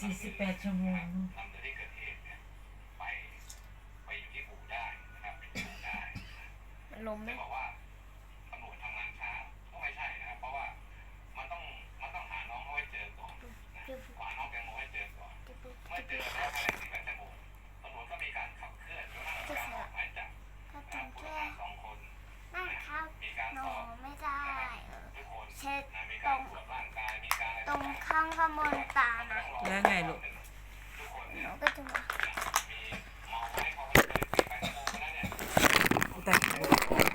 48 ชั่วโมงหลังจากที่เกิดเหตุเนี่ยไปอยู่ที่อู่ได้นะครับเป็นอู่ได้มันล้มไหมจะบอกว่าตำรวจทำงานช้าก็ไม่ใช่นะครับเพราะว่ามันต้องหาน้องเขาให้เจอก่อนหาน้องแตงโมให้เจอก่อนเมื่อเจอแล้วภายใน48 ชั่วโมงตำรวจก็มีการขับเคลื่อนจนกระทั่งการออกหมายจับผู้ต้องหา2 คนนั่นครับมีการหนูสอบไม่ได้ทุกคนเช็ดมีตการรงตรวจร่างกายมีการตรงข้างกระมวลตานะแล้วไงลูกทุกคนหเนี่ยนูก็จะมามีมองไว้เขาไม่เคย48 ชั่วโมงแล้วเนี่ยแต่อัน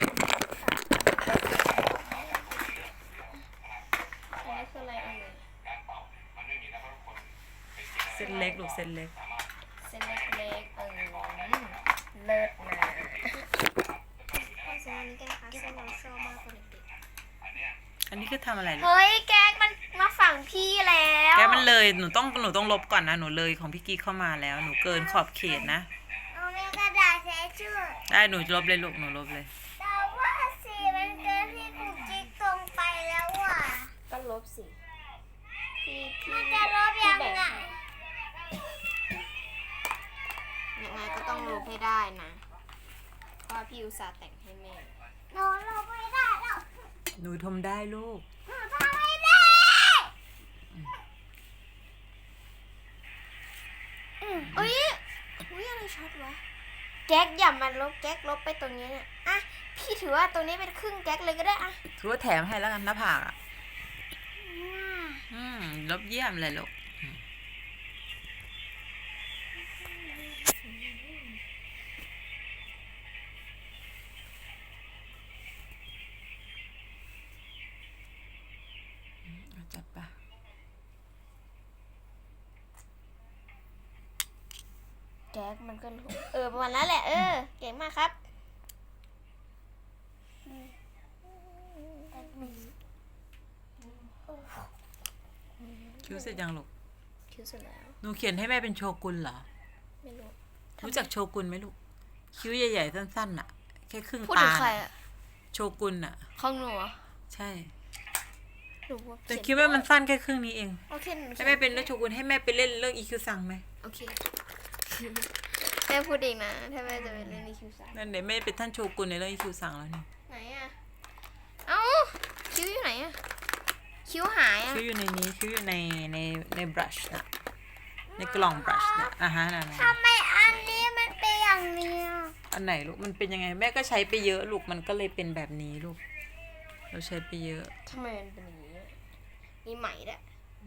นี้คืออะไรเอ่ยการเป่ามันไม่มีแล้วเพราะทุกคนเป็นจริงเส้นเล็กลูกเส้นเล็กสามารถเส้นเล็กๆเลิศนะข้อสอบนี้กันนะคะเส้นเราชอบมากกว่าเด็กอันนี้คือทำอะไรลูกเฮ้ยแก๊กมันมาฝั่งพี่แล้วแกมันเลยหนูต้องลบก่อนนะหนูเลยของพี่กิ๊กเข้ามาแล้วหนูเกินขอบเขตนะหนูมีกระดาษเช็ดชื่อได้หนูลบเลยลูกหนูลบเลยแต่ว่าสีมันเกินที่กูจิ๊กตรงไปแล้วอ่ะก็ลบสิพี่มันจะลบยังไงยังไงก็ต้องลบให้ได้นะเพราะว่าพี่อุตส่าห์แต่งให้แม่หนูลบไม่ได้หรอกหนูทำได้ลูกหนูทำไม่ได้เอ้ยอะไรช็อตวะแก๊กอย่ามาลบแก๊กลบไปตรงนี้เนี่ยอ่ะพี่ถือว่าตรงนี้เป็นครึ่งแก๊กเลยก็ได้อ่ะถือว่าแถมให้แล้วกันหน้าผากอ่ะลบเยี่ยมเลยลูกจัดปะแก๊กมันก็รู้ประมาณนั้นแหละเก่งมากครับคิ้วเสร็จยังลูกคิ้วเสร็จแล้วหนูเขียนให้แม่เป็นโชกุนเหรอไม่รู้รู้จักโชกุนไหมลูก คิ้วใหญ่ๆสั้นๆน่ะ แค่ครึ่งพูดถึตางใครอ่ะโชกุนน่ะของหนูเหรอใช่หนูว่าแต่คิ้วแม่มันสั้นแค่ครึ่งนี้เองโอเคหนูให้แม่เป็นเรื่องโชกุนให้แม่ไปเล่นเรื่องอีคิวซังไหมโอเคแม่พูดเองนะถ้าแม่จะไปเล่นในคิวซ่านั่นเดี๋ยวแม่เป็นท่านโชกุนในเรื่องอีคิวซังแล้วนี่ไหนอ่ะเอ้าคิ้วอยู่ไหนอ่ะคิ้วหายอ่ะคิ้วอยู่ในนี้คิ้วอยู่ในบรัชนะในกล่องบรัชนะนั่นทำไมอันนี้มันเป็นอย่างนี้อ่ะอันไหนลูกมันเป็นยังไงแม่ก็ใช้ไปเยอะลูกมันก็เลยเป็นแบบนี้ลูกเราใช้ไปเยอะทำไมมันเป็นอย่างนี้อะมีไหมด้วย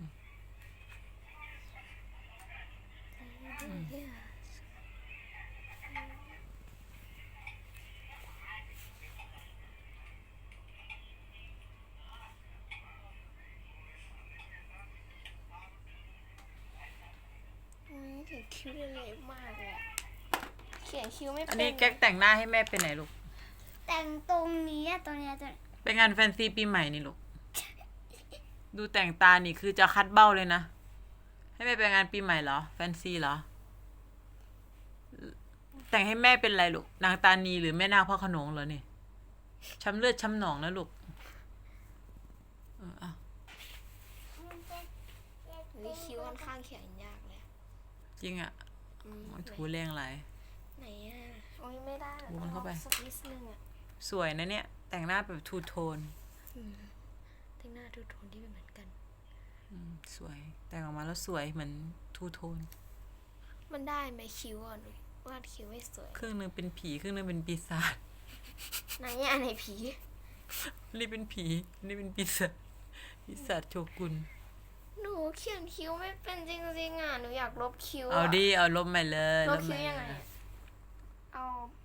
เขียนคิ้วเละมากเลยอะเขียนคิ้วไม่เป็นอันนี้แก๊กแต่งหน้าให้แม่เป็นไหนลูกแต่งตรงนี้อะตรงเนี้ยตรงไปงานแฟนซีปีใหม่นี่ลูกดูแต่งตานี่คือจะคัดเบ้าเลยนะให้แม่ไปงานปีใหม่เหรอแฟนซีเหรอแต่งให้แม่เป็นอะไรลูกนางตานีหรือแม่นางพระโขนงเหรอนี่ช้ำเลือดช้ำหนองนะลูกเอาเฮ้ยคิ้วค่อนข้างเขียนยากเลยจริงอ่ะอืมถูแรงไรไหนอ่ะโอ้ยไม่ได้ถูมันเข้าไปสักนิดนึงอ่ะสวยนะเนี่ยแต่งหน้าแบบทูโทนแต่งหน้าทุกโทนที่เป็นเหมือนกันสวยแต่งออกมาแล้วสวยเหมือนทูโทนมันได้ไหมคิ้วอ่ะหนูวาดคิ้วไม่สวยครึ่งนึงเป็นผีครึ่งนึงเป็นปีศาจไหนอ่ะไหนผีนี่เป็นผีนี่เป็นปีศาจโชกุนหนูเขียนคิ้วไม่เป็นจริงๆอ่ะหนูอยากลบคิ้วเอาดิเอาลบใหม่เลยลบใหคิ้ม่วยังไงเลยอะเอา